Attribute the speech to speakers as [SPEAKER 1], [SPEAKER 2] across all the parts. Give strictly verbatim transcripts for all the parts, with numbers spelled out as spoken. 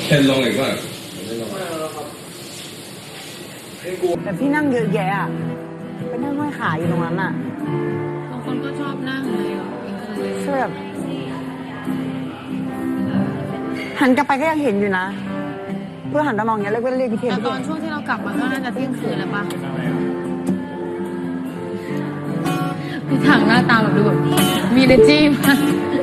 [SPEAKER 1] เช่นลงอีกว่า
[SPEAKER 2] แต่ที่นั่งเยอะแยะอะไปนั่งห้อยขาอยู่ตรงนั้นอ่ะ
[SPEAKER 3] บางคนก็ชอบนั่งเลย
[SPEAKER 2] ช่วยแบบหันกลับไปก็ยังเห็นอยู่นะเพื่อหันตามองอย่างเงี้ยเรียกว่าเรียกพิเทน
[SPEAKER 3] แต่ตอนช่วงที่เรากลับมาก็น่าจะเที่ยงคืนแล้วป่ะพี่ถังหน้าตาแบบดูแบบมีเนจี้มาก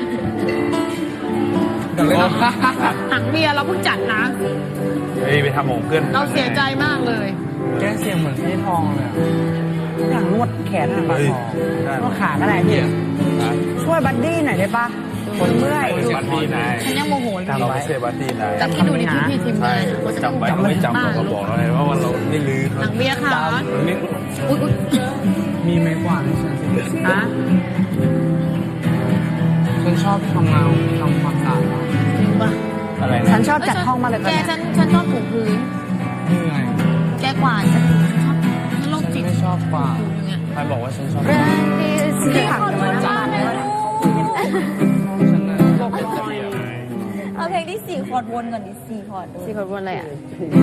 [SPEAKER 3] ถังเบียร์เราเพิ่งจัดนะ
[SPEAKER 4] เฮ้ยไปทำหมงเพื่อน
[SPEAKER 3] เราเสียใจมากเลย
[SPEAKER 5] แก้เสียงเหมือนพี่ทองเลย
[SPEAKER 2] อย่างนวดแขนหันปลาทองนวดขาก็ได้พี่ช่วยบัดดี้หน่อยได้ปะคนเมื่อย
[SPEAKER 4] บัดดี้นาย
[SPEAKER 3] ฉันยังโมโหเลย
[SPEAKER 4] เราไม่ใช่บัดดี้นาย
[SPEAKER 3] แต่ที่ดูในที่พี่ทีมงานเขาจะ
[SPEAKER 4] จำไว้เขาไม่จำเราบอกเราเลยว่าวันเราไม่ลืม
[SPEAKER 3] ถังเบียร์ค่ะอุ้ย
[SPEAKER 5] มีไม้กวาดในฉันสิ
[SPEAKER 2] อะ
[SPEAKER 5] ฉันชอบทำงานทำความสะอาด
[SPEAKER 3] จริงปะ
[SPEAKER 4] อะไรนะ
[SPEAKER 2] ฉันชอบจัดห้องมาเลย
[SPEAKER 3] แกฉันฉันชอบถูพื้น
[SPEAKER 5] นี่ไง
[SPEAKER 3] แกกวาดฉันชอบฉันโรคจิต
[SPEAKER 5] ไม่ชอบกวาดใครบอกว่าฉันชอบ
[SPEAKER 2] ที่ผักกันมาหน้าบ้านเลย
[SPEAKER 6] เอาเพลงที่สี่คอร์ดวนก่อนดิสี่คอร์ด
[SPEAKER 3] สี่คอร์ดวนอะไรอ่ะ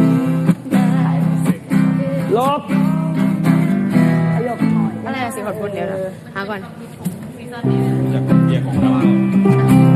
[SPEAKER 2] ลบ
[SPEAKER 3] อะไรอะสี่คอร์ดวนเดียวนะหาก่อน
[SPEAKER 4] จากเบียร์ของเรา